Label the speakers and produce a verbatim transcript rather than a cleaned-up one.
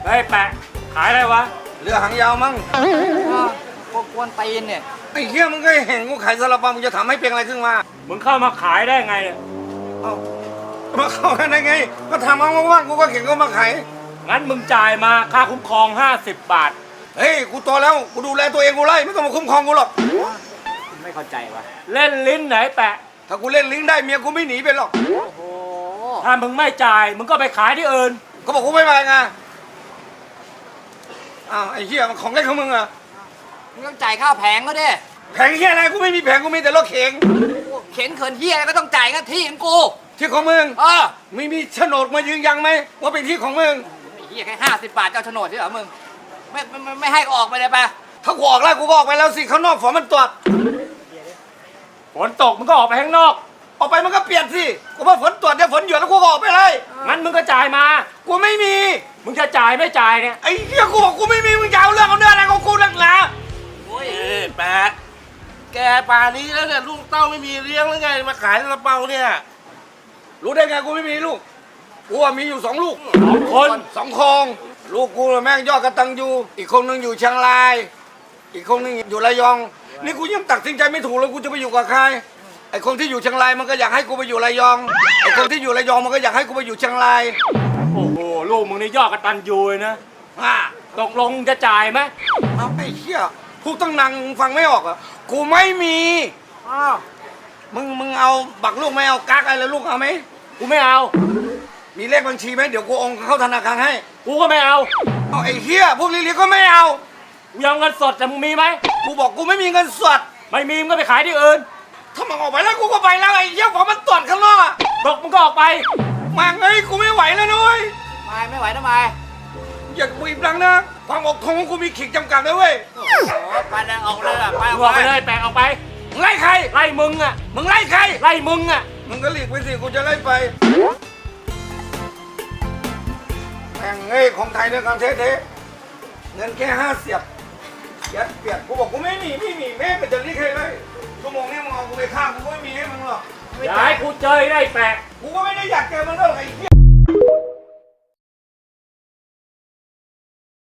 Speaker 1: เฮ้ยแปะขายอะไรวะ
Speaker 2: เรือหางยาวมั้ง
Speaker 3: พวกกวนตีนเนี่ย
Speaker 2: ไอ้เหี้ยมึงก็เห็นกูขายซาลาเปามึงจะทำให้เป็นอะไรขึ้นมา
Speaker 1: มึงเข้ามาขายได้ไงเนี่ย
Speaker 2: เอ้ามาเข้ากันได้ไงก็ทำเอาว่างๆกูก็เข็นเขามาขาย
Speaker 1: งั้นมึงจ่ายมาค่าคุ้มครองห้าสิบบาท
Speaker 2: เฮ้ยกูโตแล้วกูดูแลตัวเองกูไล่ไม่ต้องมาคุ้มครองกูหรอก
Speaker 3: ไม่เข้าใจวะ
Speaker 1: เล่นลิ้นไหนแปะ
Speaker 2: ถ้ากูเล่นลิงได้เมียกูไม่หนีไปหรอก
Speaker 3: โอ้โห
Speaker 1: ถ้ามึงไม่จ่ายมึงก็ไปขายที่อื่น
Speaker 2: เขาบอกกูไม่มาไงอ้าวไอ้เหี้ยมันของเล่นของมึงอะ
Speaker 3: มึงต้องจ่ายค่าแผงก็ดิ
Speaker 2: แผงเหี้ยอะไรกูไม่มีแผงกูมีแต่รถเข็ง
Speaker 3: เข็นเขินเฮียอะไรก็ต้องจ่ายกันที่ของกู
Speaker 2: ที่ของมึง
Speaker 3: เออ
Speaker 2: ไม่มีโฉนดมายืนยันไหมว่าเป็นที่ของมึง
Speaker 3: ไอ้เฮียแค่ห้าสิบบาทเจ้าโฉนดใช่เหรอมึงไม่ไม่ไม่ไม่ให้ก็ออกไปเลยไป
Speaker 2: ถ้ากูออกแล้วกูก็ออกไปแล้วสิข้างนอกฝนมันตรวจ
Speaker 1: ฝนตกมึงก็ออกไปข้างนอก
Speaker 2: ออกไปมันก็เปียกสิกูว่าฝนตรวจเดี๋ยวฝนหยุดแล้วกูก็ออกไปเลย
Speaker 1: งั้นมึงก็จ่ายมา
Speaker 2: กูไม่มี
Speaker 1: มึงจะจ่ายไม่จ่ายเนี่ย
Speaker 2: ไอ้เหี้ยกูบอกกูไม่มีมึงจะเอาเรื่องเอาเนื้ออะไรของกูนักหนา
Speaker 3: โอ้ย
Speaker 4: เอ้ยแปะแกป่านนี้แล้วเนี่ยลูกเต้าไม่มีเลี้ยงหรือไงมาขายซาลาเปาเนี่ย
Speaker 2: รู้ได้ไงกูไม่มีลูกกูว่ามีอยู่สองลูก
Speaker 1: สองคน
Speaker 2: สองโคงลูกกูน่ะแม่งยอดกระตังยูอีกคนนึงอยู่เชียงราย อีกคนนึงอยู่ระยอง นี่กูยังตัดสินใจไม่ถูกเลยกูจะไปอยู่กับใครไอ้คนที่อยู่เชียงรายมันก็อยากให้กูไปอยู่ระยองไอ้คนที่อยู่ระยองมันก็อยากให้กูไปอยู่เชียงราย
Speaker 1: โอ้โหลูกมึงนี่ยอดกระตันยูเลยนะ
Speaker 2: อ่า
Speaker 1: ตกลงจะจ่ายไหม
Speaker 2: เอาไอ้เหี้ยพูดตั้งนานฟังไม่ออกอ่ะกูไม่มี
Speaker 1: อ้าว
Speaker 2: มึงมึงเอาบักลูกไม่เอากักอะไรลูกเอาไหม
Speaker 1: กูไม่เอา
Speaker 2: มีเลขบัญชีไหมเดี๋ยวกูโอนเข้าธนาคารให้
Speaker 1: กูก็ไม่เอา
Speaker 2: เอาไอ้เหี้ยพวกลิลิก็ไม่เอา
Speaker 1: กูยังเงินสดแต่มึงมีไหม
Speaker 2: กูบอกกูไม่มีเงินสด
Speaker 1: ไม่มีมึงก็ไปขายที่อื่น
Speaker 2: ถ้ามันออกไปแล้วกูก็ไปแล้วไอ้เหี้ยของมันตรวจข้างนอกอะ
Speaker 1: ตกมึงก็ออกไป
Speaker 2: มาเอ้ยกูไม่ไหวแล้วนุ้ย
Speaker 3: ไม่ไม่ไหวทำไม
Speaker 2: อย่าบีบดังนะความอดทนของกูมีขีดจำกัดนะเว้ย
Speaker 3: โอ้โหไปเลยออกเลยอะไป
Speaker 1: มึงออกไปเลยแปะออกไป
Speaker 2: มึงไล่ใคร
Speaker 1: ไล่มึงอ่ะ
Speaker 2: มึงไล่ใคร
Speaker 1: ไล่มึงอ่ะ
Speaker 2: มึงก็หลีกไปสิกูจะไล่ไปแม่งเอ้ยของไทยด้วยกันเท่ๆเงินแค่ห้าเสียบยัดเปียกกูบอกกูไม่มีไม่มีแม่งก็จะเรียกใครเลยชั่วโมงนี้มึงเอากูไปฆ่ากูก็ไม่มีให้มึงหรอก
Speaker 1: อย่าให้กูเจอได้แปะ
Speaker 2: กูก็ไม่ได้อยากเจอมันหรอกไอ้เหี้ย